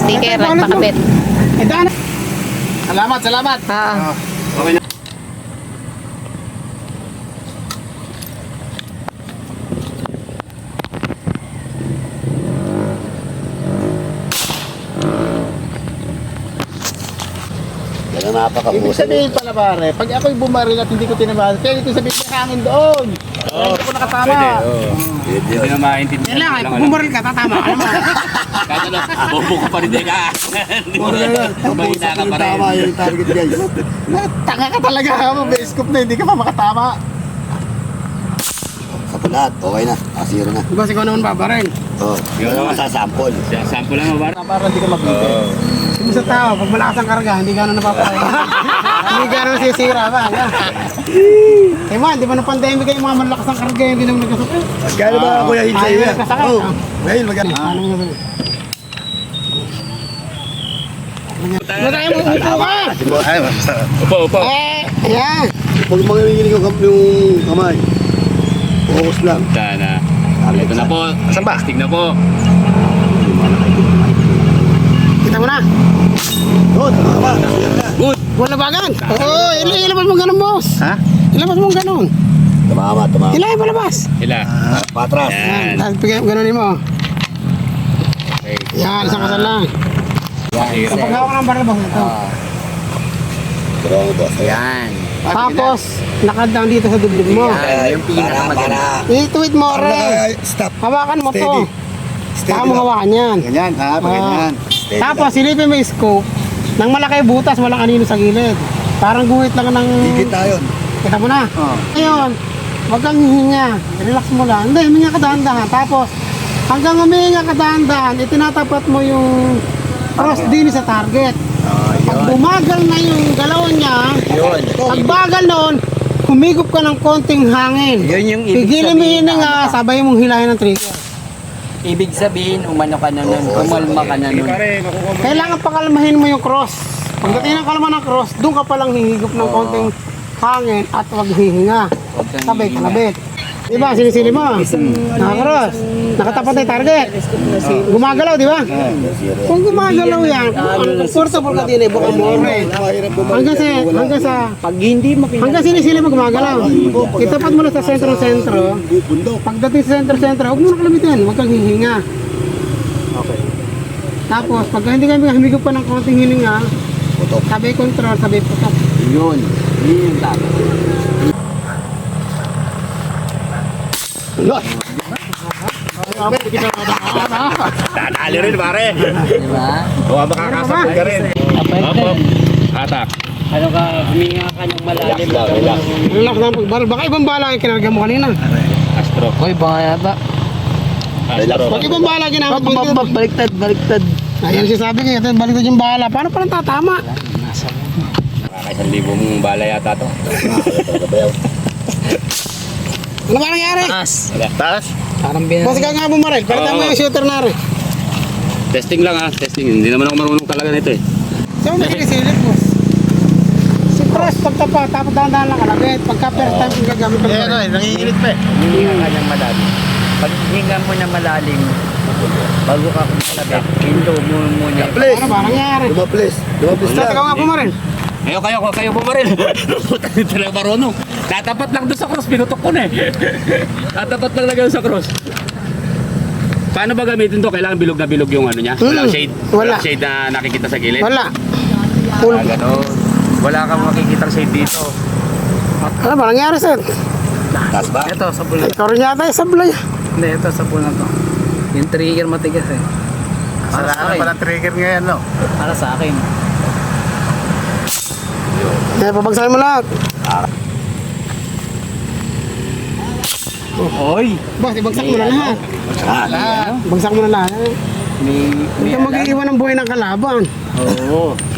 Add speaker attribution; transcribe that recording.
Speaker 1: sticker, nagpakabit.
Speaker 2: Salamat, salamat. Okay na. Ibig sabihin pala pare, pag ako'y bumaril at hindi ko tinamaan, kaya ito sabihin may hangin doon. Hindi ko nakatama.
Speaker 3: Hindi na maintindihan.
Speaker 2: Yan lang, pag bumaril ka, tatama ka naman.
Speaker 3: Kahit ano, bobo ko pa rin din ka. Hindi mo mahina ka pa rin.
Speaker 4: Tama yung target guys.
Speaker 2: Tanga ka talaga, may scoop na, hindi ka pa makatama.
Speaker 4: Sa pulat, okay na. Zero na.
Speaker 2: Diba ikaw naman babaril?
Speaker 4: Oo. Yun naman sa sample.
Speaker 3: Sample lang ba?
Speaker 2: Para hindi ka magbibig. Kung sa tao, pag malakas ang karga, hindi gano'n napapalay. Hindi gano'n sisira ba? Kaya man, di ba na pandemic kayo mga malakas ang karga, hindi naman nagkasakit.
Speaker 4: Kaya ba ako yung hintay
Speaker 2: Ayaw
Speaker 4: na?
Speaker 2: nagkasakit.
Speaker 4: Oo. Ngayon maganda.
Speaker 2: Ano mo sasabihin? Matay mo, upo ka!
Speaker 4: Ay, masarap.
Speaker 3: Upo.
Speaker 2: Ayan.
Speaker 4: Pag manginginig yung kamay, focus lang.
Speaker 3: Sana. Ito na po.
Speaker 4: Saan ba?
Speaker 3: Stig na po.
Speaker 2: Kita mo na.
Speaker 4: Good, tama.
Speaker 3: Good.
Speaker 2: Wala bagan. Oo, ilabas mo ganun, boss.
Speaker 4: Ha?
Speaker 2: Ilabas mo ganun.
Speaker 4: Tumama, tumama.
Speaker 2: Ilay palabas.
Speaker 3: Ila.
Speaker 4: Patras.
Speaker 3: Yan.
Speaker 2: Tapos ganunin mo.
Speaker 3: Okay.
Speaker 2: Yan, isang kasal lang.
Speaker 3: Yan.
Speaker 2: Kapag hawak ng baril, boss, ito.
Speaker 4: Strong boss.
Speaker 5: Yan.
Speaker 2: Tapos, nakadang dito sa dibdib mo.
Speaker 5: Yan. Yung pinakamaganda.
Speaker 2: Ituwid mo, re.
Speaker 4: Stop.
Speaker 2: Hawakan mo to.
Speaker 4: Steady.
Speaker 2: Saka mo hawakan yan.
Speaker 4: Ganyan, ha? Pag ganyan. Steady
Speaker 2: Tapos,
Speaker 4: lang.
Speaker 2: silipin mo yung scope. Nang malaki butas, walang anino sa gilid. Parang guhit lang ng...
Speaker 4: Higit na yun.
Speaker 2: Kita mo na.
Speaker 4: Oo.
Speaker 2: Ngayon, wag kang hihinga. Relax mo lang. Hindi, huminga ka dahan-dahan. Tapos, hanggang huminga ka dahan-dahan, itinatapat mo yung cross din sa target. Pag bumagal na yung galaw niya,
Speaker 5: Yun.
Speaker 2: pag bagal noon, humigop ka ng konting hangin.
Speaker 5: Yun yung ibig
Speaker 2: Pigilin mo
Speaker 5: sabihin
Speaker 2: yun nga, sabay mong hilahin ng trigger.
Speaker 5: Ibig sabihin, umano ka na nun, umalma ka na nun.
Speaker 2: Kailangan pakalmahin mo yung cross. Pagdating ng kalma ng cross, doon ka palang hihigop ng konting hangin at wag hihinga. Sabay kalabit. Diba, sinisili mo. Nakakross. Nakatapat na yung target. Gumagalaw, di ba? Kung gumagalaw yan, comfortable ka din eh, buka mo rin. Hanggang sinisili mo gumagalaw. Itapat mo na sa sentro-sentro. Pagdating sa sentro-sentro, huwag mo na kalabitin, huwag kang hihinga. Tapos, pag hindi ka humigop pa ng konting hininga, sabay control, sabay putok.
Speaker 5: Yun. Yun yung dapat.
Speaker 3: Dadali rin pare.
Speaker 5: Diba?
Speaker 3: Huwag makakasabog ka rin. Opo. Atak.
Speaker 5: Ano ka, huminga ka ng malalim.
Speaker 3: Relax.
Speaker 2: Relax lang pagbaril. Baka ibang bala yung kinarga mo kanina.
Speaker 3: Astro.
Speaker 5: Hoy, baka ba?
Speaker 3: Astro.
Speaker 2: Pag ibang bala ginamit mo dito.
Speaker 5: Baliktad, baliktad.
Speaker 2: Ayan sinasabi ko, ito baliktad yung bala. Paano palang tatama?
Speaker 3: Nakaka 1,000 bala yata to.
Speaker 2: Ano ba nangyari?
Speaker 5: Taas.
Speaker 3: Taas.
Speaker 5: Parang
Speaker 2: Kasi ka nga bumaril. Palitan mo yung shooter na rin.
Speaker 3: Testing lang ha. Testing. Hindi naman ako marunong talaga nito eh.
Speaker 2: Saan mo nakikisilip mo? Si Cross, pagtapa, tapos dahan-dahan lang kalabit. Pagka first time kung gagamit ng baril.
Speaker 4: Nanginginig pa eh.
Speaker 5: Hihinga ka ng malalim. Pag hihinga mo na malalim, bago ka kumalabit, hinto mo muna.
Speaker 4: Please.
Speaker 2: Ano ba nangyari?
Speaker 4: Dumaplis. Dumaplis
Speaker 2: Basta ikaw nga bumaril.
Speaker 3: Kayo bumaril. Puta nito talaga marunong. Tatapat lang doon sa cross. Pinutok ko na eh. Tatapat lang lagay sa cross. Paano ba gamitin to? Kailangan bilog na bilog yung ano niya? Walang shade?
Speaker 2: Wala.
Speaker 3: Walang shade na nakikita sa gilid?
Speaker 2: Wala. Full.
Speaker 3: Ganon. Wala kang makikita shade dito.
Speaker 2: Ano ba nangyari, sir?
Speaker 4: Taas ba?
Speaker 5: Ito, sa pula.
Speaker 2: Ikaw rin yata yung sablay.
Speaker 5: Hindi, ito sa pula to. Yung trigger matigas eh. Para sa akin.
Speaker 4: trigger ngayon, no?
Speaker 5: Para sa akin.
Speaker 2: Pabagsakin mo lahat.
Speaker 5: Oy!
Speaker 2: Boss, ibagsak mo na lahat. Bagsak mo na lahat.
Speaker 5: May
Speaker 2: Hindi ka mag-iiwan ng buhay ng kalaban.
Speaker 5: Oo.